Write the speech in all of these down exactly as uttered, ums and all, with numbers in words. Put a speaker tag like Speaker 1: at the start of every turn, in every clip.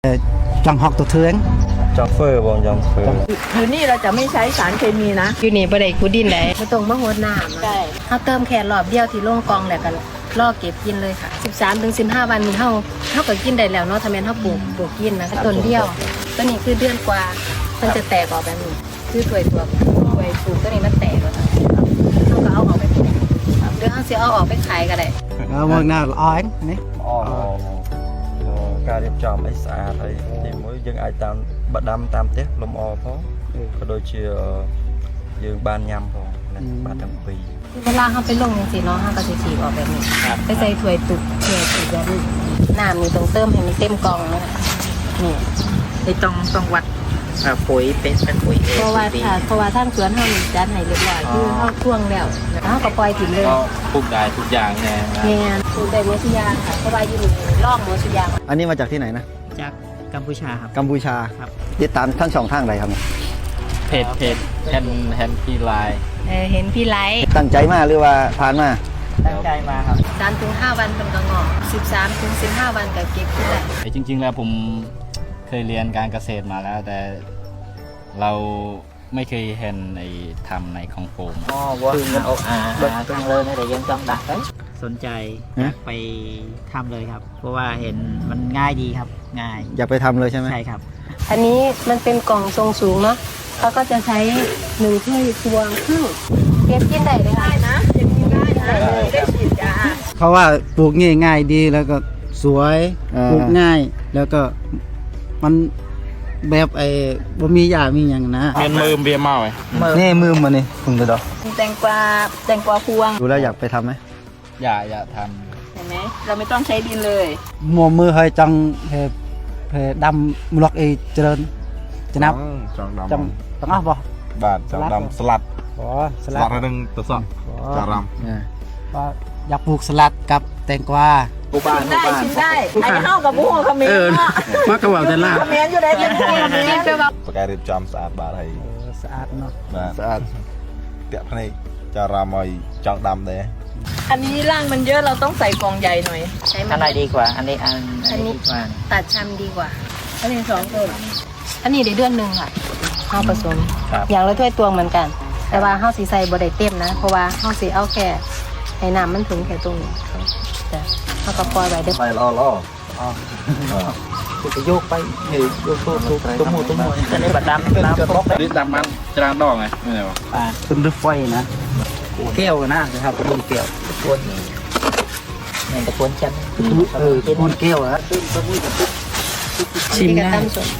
Speaker 1: จังหอกตัวเทือง
Speaker 2: จังเฟอร์บองจังเฟอร์
Speaker 3: อยู่นี่เราจะไม่ใช้สารเคมีนะ
Speaker 4: อยู่นี่บ่ได้ขุดดินได้บ่ต้องมาโหดน้ำใช่เฮาเติมแค่รอบเดียวที่โรงกองแล้วก็รอเก็บกินเลยค่ะสิบสามถึงสิบห้าวันนี้เฮาเฮาก็กินได้แล้วเนาะถ้าแม่นเฮาปลูกปลูกกินนะต้นเดียวตัวนี้คือเดือนกว่ามันจะแตกออกแบบนี้คือถ้วยตัวถ้วยปลูกตัวนี้มันแตกแล้วค่ะเฮาก็เอาออกไปปลูกหรือเฮาสิเอาออกไปขายก็ได้
Speaker 1: เอามือหน้าอ้อยนี่
Speaker 2: อ๋อการเรียบจอมไอ้สะอาดไอ้ที่มือยังไอ้ตามบัดดำตามเต๊ะลมอพอก็โดยเชื่อยังบานยำพอบานทั้งปี
Speaker 4: เวลาเฮาไปลงจังซี่เนาะเฮาก็สิฉีกออกแบบนี้ไปใส่ถ้วยตุกถ้วยตุกแบบนี้น้ำนี่ต้องเติมให้มันเต็มกล่องนะนี่
Speaker 3: ไอ้ต้องต้องวัดปุ๋ยเป็นเป็นปุ๋ยเอง
Speaker 4: เพราะว่าถ้าเพราะว่าทางสวนเฮานี่จัดให้เรียบร้อยคือเฮาท่วงแล้วแล้วเฮาก็ปล่อยถิ่นเลย
Speaker 5: ก็ปลูกได้ทุกอย่างแน่
Speaker 4: แม่นปลูกได้หมดทุกอย่างค่ะเพราะว่าอยู่นี่ร่องหมดทุกอย่าง
Speaker 1: อันนี้มาจากที่ไหนนะ
Speaker 3: จากกัมพูชาครับ
Speaker 1: กัมพูชา
Speaker 3: ครับ
Speaker 1: ติดตามทั้งช่องทางใดครับ
Speaker 5: เพจเพจแฮนแฮนพีไลน์
Speaker 4: เออเห็นพี่ไลท์
Speaker 1: ตั้งใจมาหรือว่าผ่านมา
Speaker 3: ตั้งใจมาครับ
Speaker 4: สามถึงห้าวันเป็นกระงอกสิบสามถึงสิบห้าวันก็เก็บขึ้นได้
Speaker 5: จริงๆแล้วผมเคยเรียนการเกษตรมาแล้วแต่เราไม่เคยเห็นในทำในของโฟม
Speaker 3: อ๋อว่าคือมันออกอ่าตรงเลยนะแต่ยังต้องดักสนใจไปทำเลยครับเพราะว่าเห็นมันง่ายดีครับง่าย
Speaker 1: อยากไปทำเลยใช่ไหม
Speaker 3: ใช่ครับ
Speaker 4: อันนี้มันเป็นกล่องทรงสูงเนาะเขาก็จะใช้หนึ่งถ้วยตวงครึ่งเก็บกินได้เลยได้นะเก็บกินได้นะได้ฉีดยา
Speaker 1: เขาว่าปลูกง่ายง่ายดีแล้วก็สวยปลูกง่ายแล้วก็มันแบบไอ้บ่มียามีอย่างนะ
Speaker 5: เมียนมือเบียร์เมาไอ้
Speaker 1: นี่มือมันนี่พึ่งตัวดอก
Speaker 4: แตงกวาแตงกวาพวง
Speaker 1: ดูแล้วอยากไปทำไหม
Speaker 5: อยากอยากท
Speaker 4: ำเห็นไหมเราไม่ต้องใช้ดินเลย
Speaker 1: มัวมือให้จังเหเหดำมลอกเอเจริญจะนับ
Speaker 2: จังดำ
Speaker 1: จังจังอ่ะบ่
Speaker 2: บาทจังดำสลัด
Speaker 1: อ๋อ
Speaker 2: สลัดอะไรนึงตัวสองจังด
Speaker 1: ำว่าอยากปลูกสลัดกับแตงกวา
Speaker 3: ชิมได้ชิมได้ไอ้
Speaker 4: เข้ากับบุ้งคอมเมนต์
Speaker 1: มากระว่าแต่ละ
Speaker 4: คอมเมนต์อยู่ได้เป็นบุ้งคอมเมนต์เป็นแบบ
Speaker 2: ปากกาเรียบจอมสะอาดบาทให้
Speaker 1: สะอาดเนาะ
Speaker 2: สะอาดเตะพนัยจะรำมอยจังดำเลย
Speaker 3: อันนี้ร่างมันเยอะเราต้องใส่กล่องใหญ่หน่อยใช้อะไรดีกว่าอันนี้อัน
Speaker 4: อันนี้ตัดชำดีกว่าอันนี้สองต้นอันนี้ได้เดือนหนึ่งค่ะข้าวผสมอย่างละถ้วยตวงเหมือนกันแต่ว่าข้าวสีใส่บดได้เต็มนะเพราะว่าข้าวสีเอาแค่ให้น้ำมันถึงแค่ตรงนี้แต่ข้าวกระปอยไว้เด้อ
Speaker 2: ไปรอรอ
Speaker 3: จะโยกไปเฮ้ยโยกตัวตัวหมูตัวหมูจะได้บัดดำน้ำตก
Speaker 5: ดิดำมันจะรางดอกไงไม่ใช่ปะ
Speaker 3: อ่า
Speaker 1: เป็นรถไฟนะ
Speaker 3: แก้วนะครับเป็นแก้วตะกวนเนี่ยตะกวนชั้น
Speaker 1: เออตะกวนแก้วนะ
Speaker 4: ชิมได้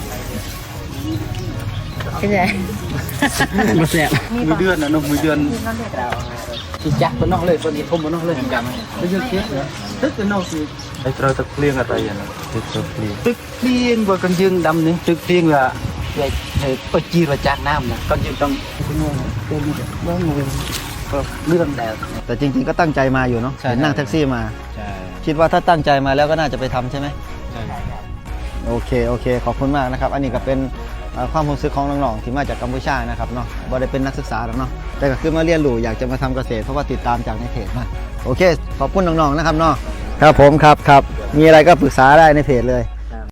Speaker 4: เป็นไง
Speaker 1: มาแซ่บมือเดือนนะน้องมือเดือน
Speaker 3: ชิจักบนนอกเลยคนนี้ทุ่มบนนอกเลยจำ
Speaker 1: ไม่เยอะเทียบนะตึกเป็นนอกสิ
Speaker 2: ไอ้เราตึกเลี้ยงอะไรอย่างนั้นตึกเลี้ยง
Speaker 1: ตึกเลี้ยงว่ากันยืงดำนี่ตึกเลี้ยงละใหญ่ใหญ่ปจีระจากน้ำนะกันยืงต้องเป็นงูเป็นงูเรื่องงูก็เรื่องแดดแต่จริงๆก็ตั้งใจมาอยู่เนาะเห็นนั่งแท็กซี่มาคิดว่าถ้าตั้งใจมาแล้วก็น่าจะไปทำใช่ไหมใช่โอเคโอเคขอบคุณมากนะครับอันนี้ก็เป็นความรู้สึกของน้องๆที่มาจากกัมพูชานะครับเนาะบ่ได้เป็นนักศึกษาหรอกเนาะแต่ก็คือมาเรียนรู้อยากจะมาทำเกษตรเพราะว่าติดตามจากในเพจมาโอเคขอบคุณน้องๆนะครับเนาะครับผมครับครับมีอะไรก็ปรึกษาได้ในเพจเลย